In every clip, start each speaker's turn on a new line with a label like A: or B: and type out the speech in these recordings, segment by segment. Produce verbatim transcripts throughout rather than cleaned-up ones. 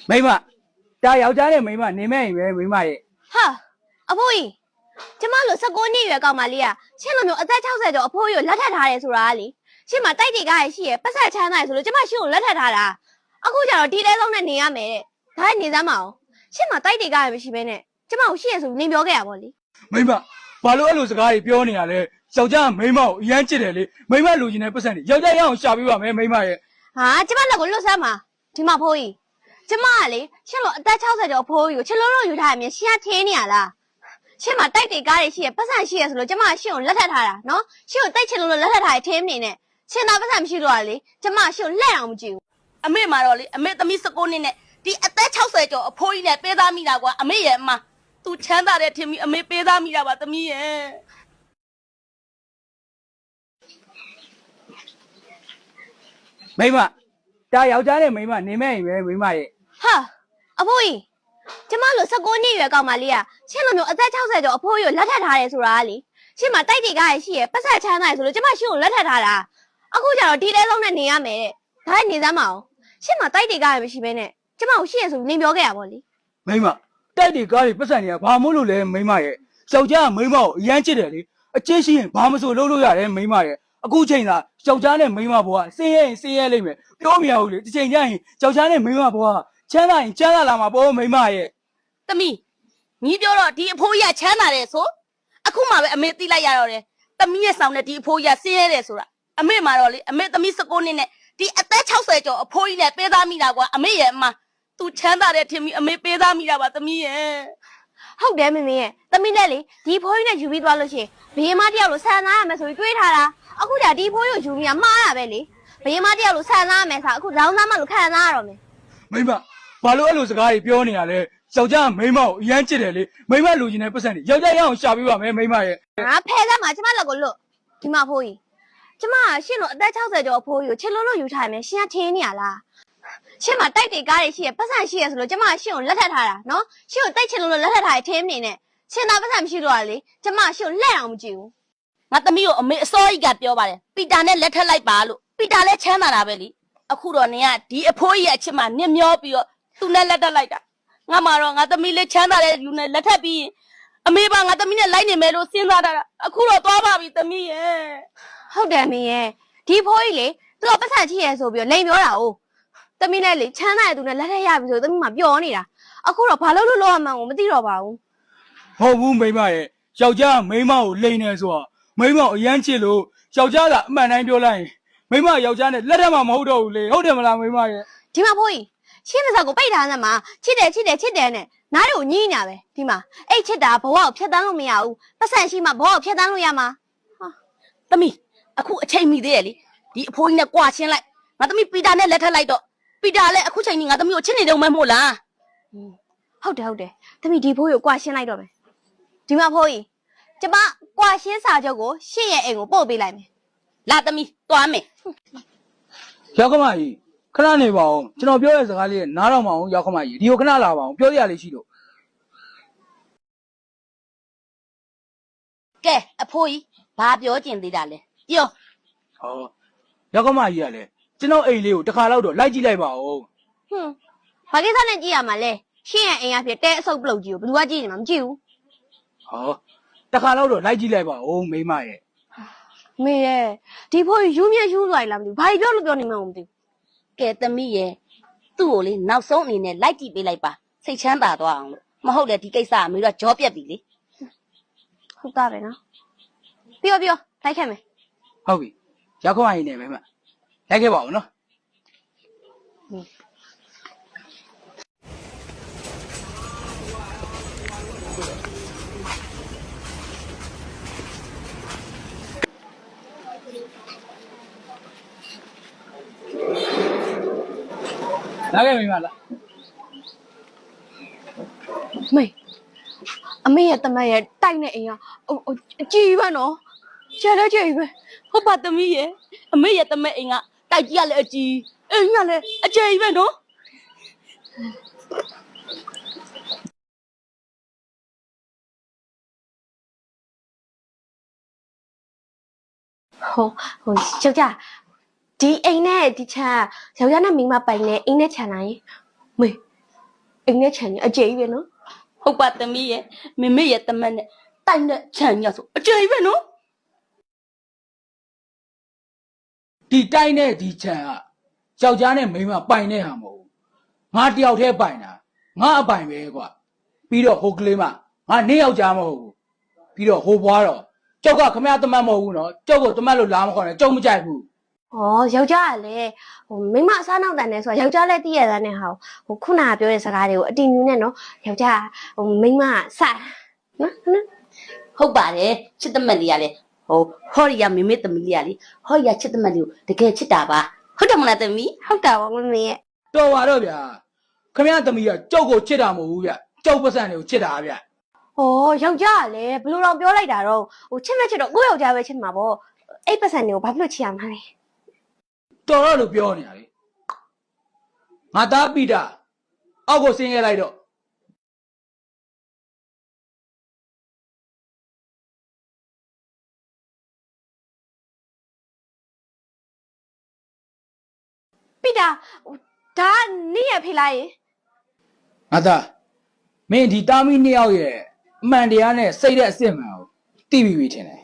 A: မိမဒါယောက်ျားနဲ့မိမနေမဲ့ရင်ပဲမိမရဲ့
B: ဟာအဖိုးကြီးကျမလို့၁၉နှစ်ရွယ်ကောက်မလေးကရှင်လိုမျိုးအသက်၆၀ကျော်အဖိုးကြီးကိုလက်ထပ်ထားတယ်ဆိုတာလေရှင်မတိုက်တေကားရရှိရပတ်ဆက်ချမ်းသာရဆိုလို့ကျမရှင်ကိုလက်ထပ်ထားတာအခုကျတော့ဒီတဲဆုံးနဲ့နေရမယ်တဲ့ဒါနေစမ်းမအောင်ရှင်မတိုက်တေကားရမရှိဘဲနဲ့ကျမကိုရှိရဆိုနေပြောခဲ့ရပါလေ
A: မိမဘာလို့အဲ့လိုစကားတွေပြောနေရလဲယောက်ျားမိမကိုအရန်ချစ်တယ်လေမိမလူချင်းတဲ့ပတ်စံတွေယောက်ျားရအောင်ရှာပေးပါမယ်မိမရဲ့
B: ဟာကျမလက်ကိုလွတ်စမ်းပါဒီမှာဖိုးကြီးကျမကလေရှင်လို့အသက်၆၀ကျော်အဖိုးကြီးကိုချစ်လို့လို့ယူထားရမြင်ရှင်ကထင်းနေရလားရှင်မတိုက်တေကားရရှိရပတ်စံရှိရဆိုလို့ကျမရှင်ကိုလက်ထပ်ထားတာနော်ရှင်ကိုတိုက်ချင်လို့လက်ထပ်ထားရထင်းနေနဲ့ရှင်သာပတ်စံမရှိတော့လေကျမရှင်ကိုလက်အောင်မကြည့်ဘူး
C: အမေမှာတော့လေအမေသမီး၁၉နှစ်နဲ့ဒီအသက်၆၀ကျော်အဖိုးကြီးနဲ့ပေးသားမိတာကွာအမေရဲ့အမသူချမ်းသာတဲ့ထင်ပြီးအမေပေးသားမိတာပါသမီးရဲ့
A: မိမဒါယောက်ျားနဲ့မိမနေမဲ့ရင်ပဲမိမရဲ့
B: ဟာအဖိုးကြီးကျမလို့၁၉နှစ်ရွယ်ကောက်မလေးကရှင်လိုမျိုးအသက်၆၀ကျော်အဖိုးကြီးကိုလက်ထပ်ထားတယ်ဆိုတာလေရှင်မတိုက်တေကားရရှိရပတ်ဆက်ချမ်းသာရဆိုလို့ကျမရှင်ကိုလက်ထပ်ထားတာအခုကျတော့ဒီတဲဆုံးနဲ့နေရမယ်တဲ့ဒါနေစမ်းမအောင်ရှင်မတိုက်တေကားရမရှိဘဲနဲ့ကျမကိုရှိရဆိုနေပြောခဲ့ရပါလေ
A: မိမတိုက်တေကားတွေပတ်စံတွေကဘာမို့လို့လဲမိမရဲ့ယောက်ျားမိမကိုအရန်ချစ်တယ်လေအချစ်ရှိရင်ဘာမဆိုလုပ်လို့ရတယ်မိမရဲ့အခုချိန်သာယောက်ျားနဲ့မိမဘွားဆင်းရဲရင်ဆင်းရဲလိမ့်မယ်ပြောမရဘူးလေဒီချိန်ကျရင်ယောက်ျားနဲ့မိမဘွားချမ်းသာရင်ချမ်းသာလာမှာပေါ့မိမရဲ့
C: သမီးညီပြောတော့ဒီအဖိုးကြီးကချမ်းသာတယ်ဆိုအခုမှပဲအမေသိလိုက်ရတော့တယ်သမီးရဲ့ဆောင်နဲ့ဒီအဖိုးကြီးကဆင်းရဲတယ်ဆိုတာအမေမှာတော့လေအမေသမီး၁၉နှစ်နဲ့ဒီအသက်၆၀ကျော်အဖိုးကြီးနဲ့ပေးသားမိတာကွာအမေရဲ့အမသူချမ်းသာတဲ့ထင်ပြီးအမေပေးသားမိတာပါသမီးရဲ့
B: ဟုတ်တယ်မမေရဲ့သမီးနဲ့လေဒီဖိုးကြီးနဲ့ယူပြီးသွားလို့ရှိရင်ဘေးမတယောက်လို့ဆန်သားရမယ်ဆိုပြီးတွေးထားတာအခုဒါဒီဖိုးကြီးကိုယူပြီးမှားရပဲလေဘေးမတယောက်လို့ဆန်သားရမယ်ဆိုအခုရောင်းသားမလို့ခံစားရတော့မယ်
A: မိမဘာလို့အဲ့လိုစကားတွေပြောနေရလဲယောက်ျားမိမကိုအရန်ချစ်တယ်လေမိမလူချင်းတဲ့ပတ်စံတွေယောက်ျားရအောင်ရှာပေးပါမယ်မိမရဲ့
B: ငါဖဲသားမှာကျမလက်ကိုလွတ်ဒီမှာဖိုးကြီးကျမရှင်လို့အသက်၆၀ကျော်အဖိုးကြီးကိုချစ်လို့လို့ယူထားရမယ်ရှင်ကထင်းနေရလားရှင်မတိုက်တေကားရရှိရပတ်စံရှိရဆိုလို့ကျမရှင်ကိုလက်ထပ်ထားတာနော်ရှင်ကိုတိုက်ချင်လို့လက်ထပ်ထားရထင်းနေနဲ့ရှင်သာပတ်စံမရှိတော့လေကျမရှင်ကိုလက်အောင်မကြည့်ဘူး
C: ငါသမီးကိုအမေအစောကြီးကပြောပါတယ်ပီတာနဲ့လက်ထပ်လိုက်ပါလို့ပီတာလည်းချမ်းသာတာပဲလေအခုတော့နင်ကဒီအဖိုးကြီးရဲ့အချစ်မှနင်မျောပြီးတော့သူနဲ့လက်ထပ်လိုက်တာငါမှတော့ငါသမီးလေးချမ်းသာတဲ့လူနဲ့လက်ထပ်ပြီးရင်အမေပါငါသမီးနဲ့လိုက်နေမယ်လို့စဉ်းစားတာအခုတော့သွားပါပြီသမီးရဲ့
B: ဟုတ်တယ်မင်းရဲ့ဒီဖိုးကြီးလေသူကပတ်စံချစ်ရဆိုပြီးတော့လိန်ပြောတာ哦သမီးနဲ့လေချမ်းသာတဲ့သူနဲ့လက်ထပ်ရပြီဆိုသမီးမှပျော်နေတာအခုတော့ဘာလို့လို့လောက်ရမှန်းကိုမသိတော့ပါဘူး
A: ဟုတ်ဘူးမိမရဲ့ယောက်ျားမိမကိုလိန်နေဆိုတော့မိမကိုအရန်ချစ်လို့ယောက်ျားကအမှန်တိုင်းပြောလိုက်ရင်မိမယောက်ျားနဲ့လက်ထပ်မှမဟုတ်တော့ဘူးလေဟုတ်တယ်မလားမိမရဲ့
B: ဒီမှာဖိုးကြီးရှင်းမစားကိုပိတ်ထားစမ်းမှာချစ်တယ်ချစ်တယ်ချစ်တယ်နဲ့နားတွေကိုညှိညာပဲဒီမှာအဲ့ချစ်တာဘဝကိုဖျက်တမ်းလို့မရဘူးပတ်စံရှိမှဘဝကိုဖျက်တမ်းလို့ရမှာ
C: ဟာသမီးအခုအချိန်မီသေးရဲ့လေဒီအဖိုးကြီးနဲ့ကြွာချင်းလိုက်ငါသမီးပီတာနဲ့လက်ထပ်လိုက်တော့ပီတာလည်းအခုချိန်ကြီးငါသမီးကိုချစ်နေတော့မှမို့လား
B: ဟုတ်တယ်ဟုတ်တယ်သမီးဒီဖိုးကြီးကိုကြွာရှင်းလိုက်တော့မယ်ဒီမှာဖိုးကြီးကျမကြွာရှင်းစာချုပ်ကိုရှင့်ရဲ့အိမ်ကိုပို့ပေးလိုက်မယ်
C: လာသမီးသွားမယ်
A: ရောက်ကမကြီးခဏနေပါအောင်ကျွန်တော်ပြောတဲ့စကားလေးနားတော့မအောင်ရောက်ခမကြီးဒီကိုခဏလာပါအောင်ပြောရလေးရှိလို့
C: ကဲအဖိုးကြီးဘာပြောကျင်သေးတာလဲပြော
A: ဟောရောက်ခမကြီးကလည်းကျွန်တော်အိမ်လေးကိုတစ်ခါတော့လိုက်ကြည့်လိုက်ပါဦး
B: ဟွန်းဘာကိစ္စနဲ့ကြည့်ရမှာလဲရှင်းရဲ့အိမ်ကဖြစ်တဲအဆုပ်ပလုတ်ကြီးကိုဘယ်သူကကြည့်နေမှာမကြည့်ဘူး
A: ဟောတစ်ခါတော့လိုက်ကြည့်လိုက်ပါဦးမိမရဲ့
B: မေရဲ့ဒီဖိုးကြီးယူမြယူသွားလားမသိဘူးဘာကြီးပြောလို့ပြောနေမှမသိဘူး
C: ကဲသမီးရဲ့သူ့ကိုလေနောက်ဆုံးအနေနဲ့လိုက်ကြည့်ပေးလိုက်ပါစိတ်ချမ်းသာသွားအောင်လို့မဟုတ်လေဒီကိစ္စအမေတို့ကကြောပြက်ပြီလေ
B: ဟုတ်တာပဲနော်ပြောပြောလိုက်ခဲ့မယ်
A: ဟုတ်ပြီရောက်ခမကြီးနေမယ်မလိုက်ခဲ့ပါဦးနော်လာခဲ့မိမလား
B: မေအမေရဲ့တမက်ရဲ့တိုက်နေအိမ်ကအကြည့်ပဲနော်ကျဲလဲကျဲပဲ
C: ဟုတ်ပါသမီးရဲ့အမေရဲ့တမက်အိမ်ကတိုက်ကြီးကလည်းအကြီးအိမ်ကလည်းအကျယ်ကြီးပဲနော်
B: ဟိုဟိုယောက်ျားဒီအိမ်နဲ့ဒီချမ်းယောက်ျားနဲ့မိန်းမပိုင်နဲ့အိမ်နဲ့ခြံနိုင်မေအိမ်နဲ့ခြံကြီးအကျယ်ကြီးပဲနော်
C: ဟုတ်ပါသမီးရဲ့မမေရဲ့တမက်နဲ့တိုက်နဲ့ခြံညဆိုအကျွေးပဲနော်
A: ဒီတိုင်းနဲ့ဒီခြံကယောက်ျားနဲ့မိန်းမပိုင်တဲ့ဟာမဟုတ်ဘူးငါတယောက်တည်းပိုင်တာငါအပိုင်ပဲကွာပြီးတော့ဟိုကလေးမငါနေယောက်ျားမဟုတ်ဘူးပြီးတော့ဟိုဘွားတော့ကျောက်ကခမရတမတ်မဟုတ်ဘူးနော်ကျောက်ကိုတမတ်လို့လာမခေါ်နဲ့ကျောက်မကြိုက်ဘူး
B: ဩယောက်ျားကလည်းဟိုမိန်းမအစားနောက်တန်နေဆိုတော့ယောက်ျားလည်းတည့်ရတဲ့နဲ့ဟာဟိုခုနကပြောတဲ့စကားတွေကိုအတင်ယူနေနော်ယောက်ျားဟိုမိန်းမစနော်နော်
C: ဟုတ်ပါတယ်ချစ်တမက်လေးကလေဟိုဟော်ရီယာမမေသမီးလေးကလေဟော်ရီယာချစ်တမက်လေးကိုတကယ်ချစ်တာပါဟုတ်တယ်မလားသမီး
B: ဟုတ်တာပါမမေရဲ့
A: တော်ပါတော့ဗျာခမရသမီးကကျောက်ကိုချစ်တာမဟုတ်ဘူးဗျကျောက်ပစံတွေကိုချစ်တာဗျ
B: ဩယောက်ျားကလည်းဘယ်လိုတော့ပြောလိုက်တာတော့ဟိုချစ်မဲ့ချစ်တော့ကိုယ့်ယောက်ျားပဲချစ်မှာပေါ့အဲ့ပတ်စံတွေကိုဘာဖြစ်လို့ချစ်ရမှာလဲ
A: တော်တော့လို့ပြောနေတာလေငါသားပိတာအောက်ကိုဆင်းခဲ့လိုက်တော့
B: ပိတာဒါနေ့ရဖေးလိုက်ရင်
A: ငါသားမင်းဒီတာမီနှစ်ယောက်ရဲ့အမှန်တရားနဲ့စိတ်တဲ့အစ်စ်မှန်ကိုသိပြီပြီထင်တယ်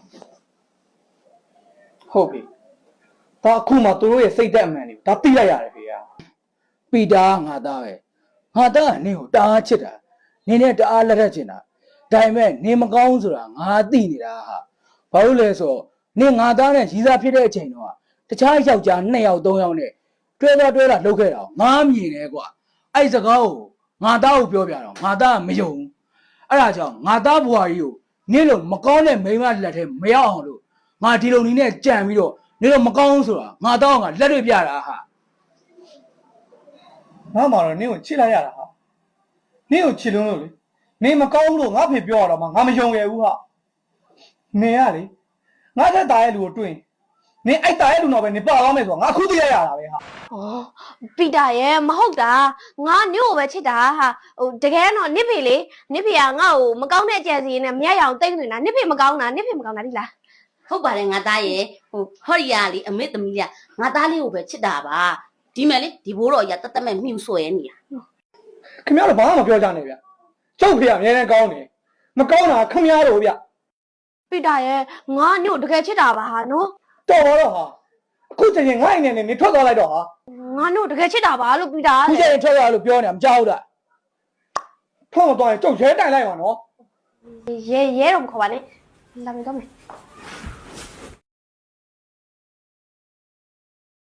D: ဟုတ်ပြီဒါအခုမှသူတို့ရဲ့စိတ်သက်အမှန်တွေကိုဒါသိလိုက်ရတယ်ဖေ။
A: ပီတာငါသားပဲငါသားကနင်းကိုတအားချစ်တာနင်းနဲ့တအားလက်ထက်ချင်တာဒါပေမဲ့နင်းမကောင်းဆိုတာငါသိနေတာဟာဘာလို့လဲဆိုတော့နင်းငါသားနဲ့ရီးစားဖြစ်တဲ့အချိန်တော့တခြားယောက်ျားနှစ်ယောက်သုံးယောက်နဲ့တွဲသွားတွဲလာလှုပ်ခဲ့တာငါမြင်တယ်ကွာအဲ့စကားကိုငါသားကိုပြောပြတော့ငါသားကမယုံဘူးအဲ့ဒါကြောင့်ငါသားဘွားကြီးကိုနင်းလို့မကောင်းတဲ့မိန်းမလက်ထဲမရောက်အောင်လို့ငါဒီလိုနည်းနဲ့ကြံပြီးတော့နင်းလို့မကောင်းဆိုတာငါသားကလက်တွေပြတာဟာ
D: ငါမှတော့နင်းကိုချစ်လိုက်ရတာဟာနင်းကိုချစ်လုံးလို့လေနင်းမကောင်းဘူးလို့ငါဖေပြောရတော့မှငါမယုံရဘူးဟာနင်းကလေငါတက်တာရဲ့လူကိုတွေ့ရင်နင်းအိုက်တာရဲ့လူတော့ပဲနင်းပါသွားမယ်ဆိုတော့ငါအခုသိလိုက်ရတာပဲဟာ
B: ဩပိတာရဲ့မဟုတ်တာငါညို့ကိုပဲချစ်တာဟာဟိုတကယ်တော့နစ်ဖေလေနစ်ဖေကငါ့ကိုမကောင်းတဲ့ကြံစီနဲ့မရရအောင်တိတ်နေတာနစ်ဖေမကောင်းတာနစ်ဖေမကောင်းတာဒီလား
C: ဟုတ်ပါတယ်ငါသားရဲ့ဟိုဟော်ရီယာလေအမေသမီးလေးကငါသားလေးကိုပဲချစ်တာပါဒီမဲ့လေဒီဘိုးတော်ကြီးကတတ်တတ်မဲ့မြှူဆွဲနေတာ
D: ခင်ဗျားတို့ဘာမှမပြောကြနဲ့ဗျကျုပ်ဖေကအများနဲ့ကောင်းတယ်မကောင်းတာခင်ဗျားတို့ဗျ
B: ပိတာရဲ့ငါညို့တကယ်ချစ်တာပါဟာနော်
D: တော်ပါတော့ဟာအခုချိန်ချင်းငါ့အိမ်နဲ့နေထွက်သွားလိုက်တော့ဟာ
B: ငါညို့တကယ်ချစ်တာပါလို့ပိတာ
A: ခုချိန်ထွက်ရလို့ပြောနေတာမကြောက်တာ
D: ထွက်မသွားရင်ကျုပ်ရဲတိုင်လိုက်ပါနော်
B: ရဲရဲတော့မခေါ်ပါနဲ့လာမယ်တော့မယ်